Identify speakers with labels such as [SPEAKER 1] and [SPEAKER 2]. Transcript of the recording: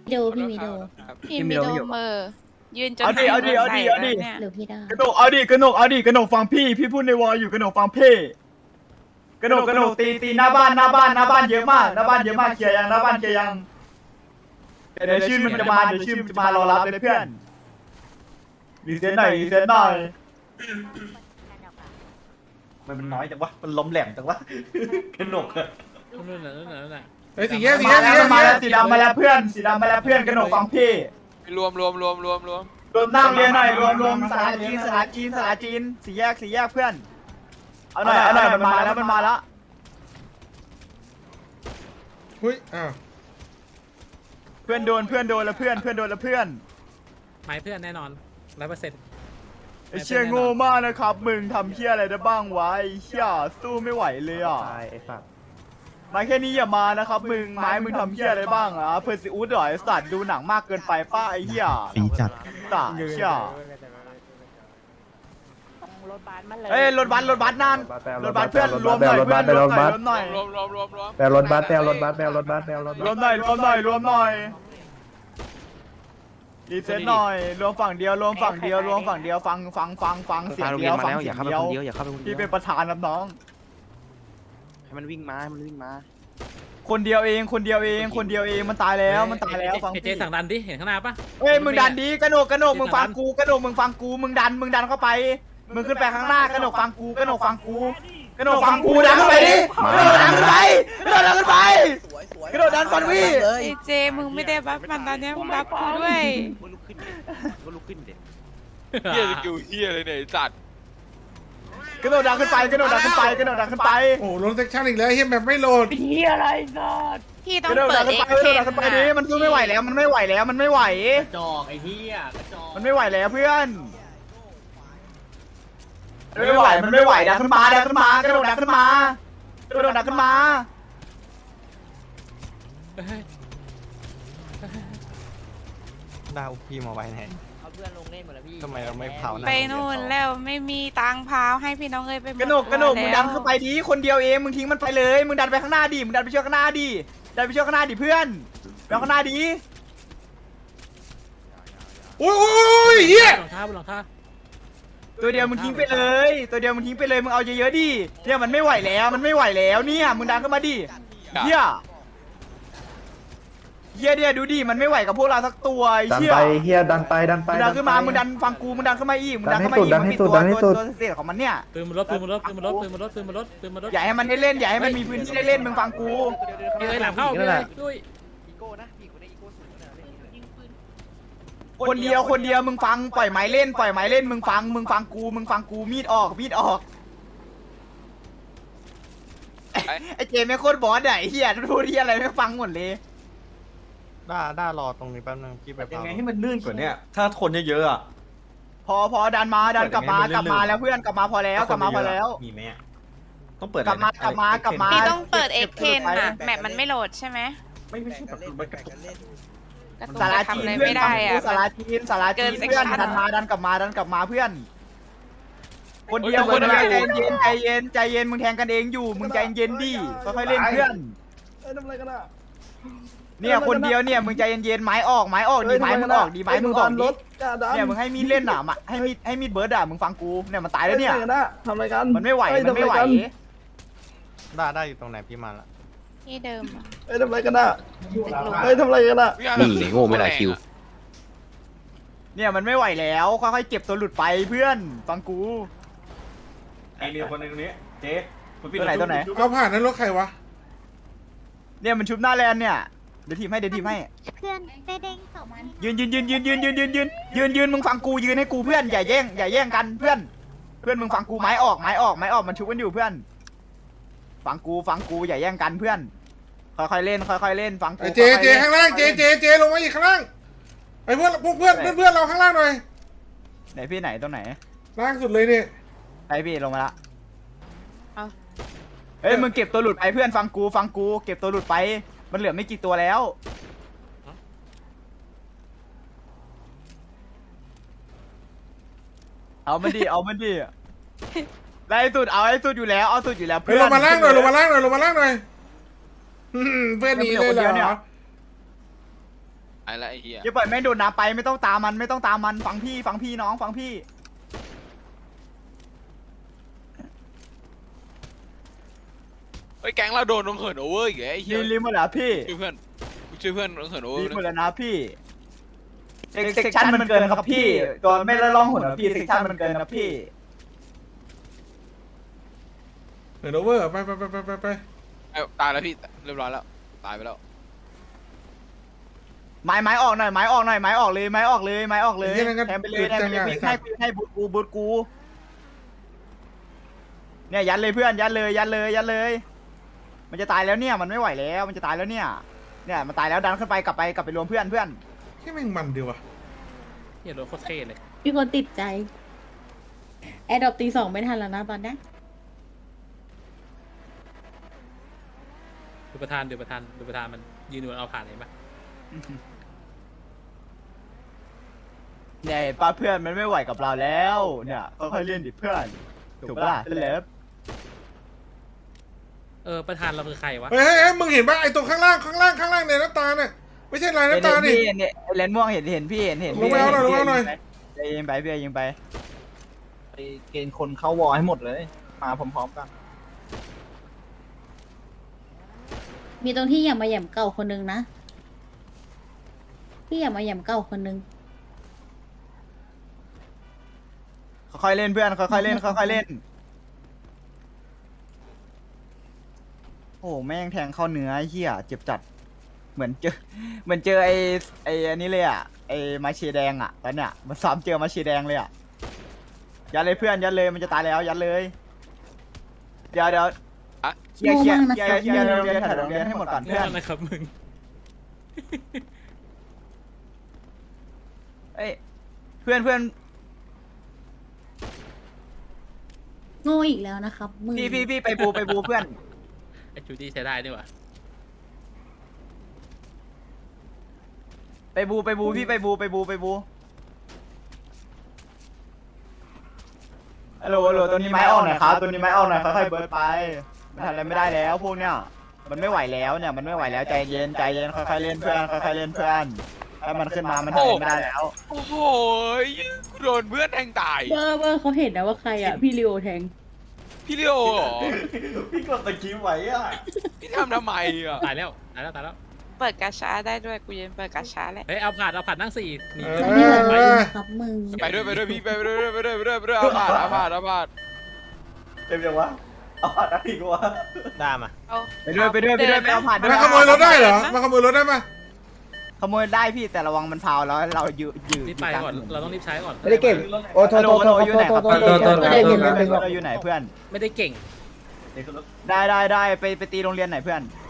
[SPEAKER 1] ดูพี่มิโด
[SPEAKER 2] พี่มิโดเมอร์ยืนจน
[SPEAKER 3] เอาดิเอาดิเอาดิเอาดิ
[SPEAKER 2] เนี่ย
[SPEAKER 1] หรือพี่ดาก
[SPEAKER 3] ระหนกเอาดิกระหนกเอาดิกระหนกฟังพี่พูดในวอลอยู่กระหนกฟังพี่กระหนกตีหน้าบ้านเยอะมากหน้าบ้านเยอะมากเคลียร์ยังหน้าบ้านเคลียร์ยังเดี๋ยวชื่อมันจะมาเดี๋ยวชื่อมันจะมารอรับเลยเพื่อนรีเซ็ตหน่อยมันน้อยจังวะมันล้มแหลมจังวะกระหนกอะ
[SPEAKER 4] นู่นน่ะ
[SPEAKER 5] เฮ้ยสีแยก
[SPEAKER 3] มาแล้วสีดำมาแล้วเพื่อนสีดำมาแล้วเพื่อนกระหนกฟังพี่
[SPEAKER 6] รวม
[SPEAKER 3] รวมนั่งเรียนหน่อยรวมสลาจีนสี่แยกเพื่อนเอาหน่อยมันมาแล้ว
[SPEAKER 5] หุ้ยอ้าว
[SPEAKER 3] เพื่อนโดนแล้วเพื่อน
[SPEAKER 4] หมายเพื่อนแน่นอน100%
[SPEAKER 3] ไอ้เชี่ยโง่มากนะครับมึงทำเชี่ยอะไรได้บ้างวะไอ้เชี่ยสู้ไม่ไหวเลยอ่ะมาแค่นี้อย่ามานะครับมึงไม้มึงทำเชี่ยอะไรบ้างอ่ะเพอร์ซิอุสเหรอไอ้สัตว์ดูหนังมากเกินไปป้าไอ้เหี้ย
[SPEAKER 7] ปีจัด
[SPEAKER 3] ตาเชี่ยเอ้ยรถบัสนั่นรถบัสเพื่อนรวมหน่อย
[SPEAKER 6] รวม
[SPEAKER 3] รวมหน่อย
[SPEAKER 7] แปลรถบัสแปลรถบัส
[SPEAKER 3] รวมหน่อยรีเซ็ตหน่อยรวมฝั่งเดียวฟังเสียงเดียวฟังเสียงเดียวพี่เป็นประธานครับน้อง
[SPEAKER 7] ให้มันวิ่งมา
[SPEAKER 3] คนเดียวเองมันตายแล้วฟัง
[SPEAKER 4] เจสั่งดันดิเห็นข้างหน้าปะ
[SPEAKER 3] เฮ้ยมึงดันดีกระโนกมึงฟังกูมึงดันเข้าไปมึงขึ้นไปข้างหน้ากระโนกฟังกูดันเข้าไปดิดันขึ้นไปกระโดดดันฟันวี่
[SPEAKER 2] ไอเจมึงไม่ได้บัฟมันตอนเนี้ยมึงบัฟกูด้วย
[SPEAKER 6] เฮียสกิลเฮียเลยเนี่ยไอ้สัตว์
[SPEAKER 3] กระโดดดันขึ้นไป
[SPEAKER 5] โอ้โหลงเซ็กชันอีกแล้วเฮียแบบไม่โหลด
[SPEAKER 2] พี่ต้อก ง
[SPEAKER 3] ระโดด
[SPEAKER 2] เปิ
[SPEAKER 3] ดั
[SPEAKER 2] ด
[SPEAKER 3] น
[SPEAKER 2] เอ็
[SPEAKER 3] ขึ้น
[SPEAKER 2] ก
[SPEAKER 3] ไป
[SPEAKER 2] เทน
[SPEAKER 3] ดิมันสู้ไม่ไหวแล้วมันไม่ไหว
[SPEAKER 4] จอกไอ้เหี้ยกระจอก
[SPEAKER 3] มันไม่ไหวแล้วเพื่อนไม่ไหวดันขึ้นมากระโดดดันขึ้นมา
[SPEAKER 7] ดาวพี่มาไว้ไหนทำไมเราไม่เผาหน้า
[SPEAKER 2] ไปนู่นแล้วไม่มีตังค์พาวให้พี่น้องเอ้ยไปหมด
[SPEAKER 3] กระโนกมึงดันเข้าไปดิคนเดียวเองมึงทิ้งมันไปเลยมึงดันไปข้างหน้าดิไปช่วยข้างหน้าดิเพื่อนไปข้างหน้าดิ
[SPEAKER 5] โอ้ยเฮีย
[SPEAKER 4] บนหลังคา
[SPEAKER 3] ตัวเดียวมึงทิ้งไปเลยมึงเอาเยอะๆดิเนี่ยมันไม่ไหวแล้วเนี่ยมึงดันเข้ามาดิเฮียเนี่ยดูดิมันไม่ไหวกับพวกเราสักตัวไอ้
[SPEAKER 7] ดัน
[SPEAKER 3] เชี่ย
[SPEAKER 7] ไปเฮียดันไป
[SPEAKER 3] มึงดันขึ้นมามึงดันฟังกูมึงดันเข้ามาอีกมันมีตัวเสียของมันเนี่ย
[SPEAKER 4] ปืนมันลด
[SPEAKER 3] อย่าให้มันได้เล่นอย่าให้มันมีพื้นที่ได้เล่นมึงฟังกู
[SPEAKER 4] เอ้ยหลังเข้าด้วย
[SPEAKER 3] คนเดียวมึงฟังปล่อยไม้เล่นมึงฟังกูมีดออกไอ้เจไม่โคตรบอสไอ้เหี้ยพูดที่อะไรไม่ฟังหมดเลย
[SPEAKER 7] ด้ารอตรงนี้แป๊บนึงพี่ไป
[SPEAKER 8] ยัง
[SPEAKER 7] เผา
[SPEAKER 8] ไงให้มันลื่นกว่าเนี้ยถ้าคนเยอะๆอ่ะ
[SPEAKER 3] พอดันกลับมาแล้วเพื่อนกลับมาพอแล้ว
[SPEAKER 8] มีไหมต้องเปิด
[SPEAKER 3] กลับมา
[SPEAKER 2] พี่ต้องเปิดเอ็กเทนน่ะแมปมันไม่โหลดใช่ไหม
[SPEAKER 8] ไม่ใช่แบบมันกระตุก
[SPEAKER 2] กระตุ้น
[SPEAKER 3] สารา
[SPEAKER 2] ทำ
[SPEAKER 3] จีน
[SPEAKER 2] อะไร
[SPEAKER 3] เพื่อน
[SPEAKER 2] ไม่ได้อ่ะ
[SPEAKER 3] สาราจีนเพื่อนดันกลับมาเพื่อน คนเดียวใจเย็นมึงแทงกันเองอยู่มึงใจเย็นดิค่อยๆเล่นเพื่อนเนี่ยคนเดียวเนี่ยมึงใจเย็นไม้ออกดีไม้มึงออกดิเนี่ยมึงให้มีดเล่นอ่ะให้มีดเบิร์ดอ่ะมึงฟังกูเนี่ยมันตายแล้วเนี่ย
[SPEAKER 9] ทำอะไรกัน
[SPEAKER 3] มันไม่ไหว
[SPEAKER 7] ได้อยู่ตรงไหนพี่มาละ
[SPEAKER 2] ที่เดิมอะ
[SPEAKER 9] ทำอะไรกันอ่ะทำอะไรกันอ่ะ
[SPEAKER 6] นี่โง่ไม่ได้คิว
[SPEAKER 3] เนี่ยมันไม่ไหวแล้วค่อยๆเก็บตัวหลุดไปเพื่อนฟังกู
[SPEAKER 8] มีคนนึงนี้เจ๊
[SPEAKER 3] ตัวไหน
[SPEAKER 5] เอาผ่านนั้นรถใครวะ
[SPEAKER 3] เนี่ยมันชุบหน้าแลนเนี่ยเดี๋ยวทีมให้
[SPEAKER 1] เพื่อนไปเด้งศพมัน
[SPEAKER 3] ยืนมึงฟังกูยืนให้กูเพื่อนอย่าแย่งกันเพื่อนมึงฟังกูไม้ออกมันชุบกันอยู่เพื่อนฟังกูอย่าแย่งกันเพื่อนค่อยๆเล่นฟังกู
[SPEAKER 5] ไอ้เจข้างล่างเจลงมาอีกข้างล่างไอ้เพื่อนเราข้างล่างหน่อย
[SPEAKER 3] ไหนพี่ไหนตรงไหน
[SPEAKER 5] ล่างสุดเลยเนี่ย
[SPEAKER 3] ไอพี่ลงมาละเฮ้ยมึงเก็บตัวหลุดไปเพื่อนฟังกูเก็บตัวหลุดไปมันเหลือไม่กี่ตัวแล้วเอามันดิไล่สุดเอาให้สุดอยู่แล้วเอาสุดอยู่แล้ว
[SPEAKER 5] เฮ้ยลงมาล่างหน่อยเพื่อนหนีเลยเหรอ
[SPEAKER 3] ไ
[SPEAKER 6] ไอ้ละไอ้เหี้ย
[SPEAKER 3] อย่าปล่อยแม่งโดนน้ำไปไม่ต้องตามมันไม่ต้องตามมันฟังพี่น้องฟังพี่
[SPEAKER 6] เฮ้ยแก๊งเราโดนลงเหินโอเวอร์อีกแล้วไอ้เหี้ย
[SPEAKER 3] รีบหมดแล้วพี่
[SPEAKER 6] ช่วยเพื่อนลงเหินโอเวอ
[SPEAKER 3] รี
[SPEAKER 6] ร์
[SPEAKER 3] บหมด
[SPEAKER 6] นะ
[SPEAKER 3] แล้วนะพี่เซ็กชันมันเกินครับพี่ตัวไม่ละล่องหุ่นนะพี่เซ็กชันมันเกินนะพี่
[SPEAKER 5] เดี๋ยวโอเวอร์ไป
[SPEAKER 6] ตายแล้วพี่เรียบร้อยแล้วตายไปแล้ว
[SPEAKER 3] ไม้ออกหน่อยไม้ออกเลยไม้ออกเลยแทงไปเลยให้บูทกูเนี่ยยัดเลยเพื่อนยัดเลยมันจะตายแล้วเนี่ยมันไม่ไหวแล้วมันจะตายแล้วเนี่ยมันตายแล้วดันขึ้นไปกลับไปรวมเพื่อน
[SPEAKER 5] แค่แม่งมันดีว่ะ
[SPEAKER 4] เหี้ยรถโคตรเท่เลย
[SPEAKER 1] มีคนติดใจแอดดอปตี 2ไม่ทันแล้วนะตอนนี้
[SPEAKER 4] ดูประธานมันยืนอยู่เอาผ่านเห็นปะ
[SPEAKER 3] เนี่ยป้าเพื่อนมันไม่ไหวกับเราแล้วเนี่ยค่อยๆเล่นดิเพื่อนถูกปะล่ะเลิฟ
[SPEAKER 4] ประธานเราคือใครวะ
[SPEAKER 5] เฮ้ยมึงเห็นป่ะไอ้ตรงข้างล่างในน้ำตาเนี่ยไม่ใช่ลายน้ำตาดิ
[SPEAKER 3] เนี่ยเลนม่วงเห็นพี่เห็น
[SPEAKER 5] ลงมาเอาหน่อย
[SPEAKER 3] ยิงไปพี่ยิงไป
[SPEAKER 9] ไปเกณฑ์คนเข้าวอให้หมดเลย มาพร้อมๆกัน
[SPEAKER 1] มีตรงที่อย่ามาแหย่มเก่าคนนึงนะที่อย่ามาแหย่มเก่าคนนึง
[SPEAKER 3] ค่อยๆเล่นเพื่อนค่อยๆเล่นโอ้แม่งแทงเข้าเนื้อเหี้ยเจ็บจัดเหมือนเจอไอ้อันนี้เลยอ่ะไอ้มาเชแดงอ่ะตอนเนี้ยมันซ้ำเจอมาเชแดงเลยอ่ะยัดเลยเพื่อนยัดเลยมันจะตายแล้วยัดเลยเดี๋ยวเคลียร์โรงเรียนถ่ายโรงเรียนให้หมดก่อน
[SPEAKER 4] เรื่
[SPEAKER 3] เพื่
[SPEAKER 4] อ
[SPEAKER 3] อง น
[SPEAKER 4] อะไรครับมึง
[SPEAKER 3] เอ้ยเพื่อน
[SPEAKER 1] โง่อีกแล้วนะครับมึง
[SPEAKER 3] พี่ไปบูเพื่อน
[SPEAKER 4] ไอ้จูดี้ใช้ได้ด้วยวะ
[SPEAKER 3] ไปบูพี่ไปบูฮัลโหลตัวนี้ไม้ออกหน่อยครับตัวนี้ไม้ออกหน่อยค่อยๆเบิร์ดไปมันทำอะไรไม่ได้แล้วพวกเนี้ยมันไม่ไหวแล้วเนี่ยมันไม่ไหวแล้วใจเย็นค่อยๆเล่นเพื่อนถ้ามันขึ้นมามันทำอะไรไม่ได้แล้ว
[SPEAKER 6] โอ้โหกูโดนเพื่อนแทงตาย
[SPEAKER 1] เบอร์เขาเห็นนะว่าใครอ่ะพี่ลิโอแทง
[SPEAKER 6] พี่เลี้ยวเหรอ
[SPEAKER 8] พี่กดตะกี้ไว้อะ
[SPEAKER 6] พี่ทำไมอ่ะ
[SPEAKER 4] ตายแล้ว
[SPEAKER 2] เปิดกาชาได้ด้วยกูยืนเปิดกาชาแล้ว
[SPEAKER 4] เฮ้ยเอาผ่านนั่ง4หนี
[SPEAKER 1] เขาไม่เหมือนมึงนะครับมึง
[SPEAKER 6] ไปด้วยพี่ไปด้วยเอาผ่าน
[SPEAKER 8] เต็มยังวะเอาผ่านได้อีกวะ
[SPEAKER 7] ได้มา
[SPEAKER 2] เอา
[SPEAKER 3] ไปด้วยไปเอาผ่านด้วย
[SPEAKER 5] มาขโมยรถได้เหรอมาขโมยรถได้ปะ
[SPEAKER 3] ขโมยได้พี่แต่ระวังมันพาวแล้วเรายืด
[SPEAKER 4] รีบไปก่อนเราต้องรีบใช้ก่อน
[SPEAKER 9] ไม่ได้เก่ง โอ้โทษ
[SPEAKER 3] อยู่ไหนครับเราอยู่ไหนเพื่อน
[SPEAKER 4] ไม่ได้เก่ง
[SPEAKER 3] ได้ไปตีโรงเรียนไหนเพื่อน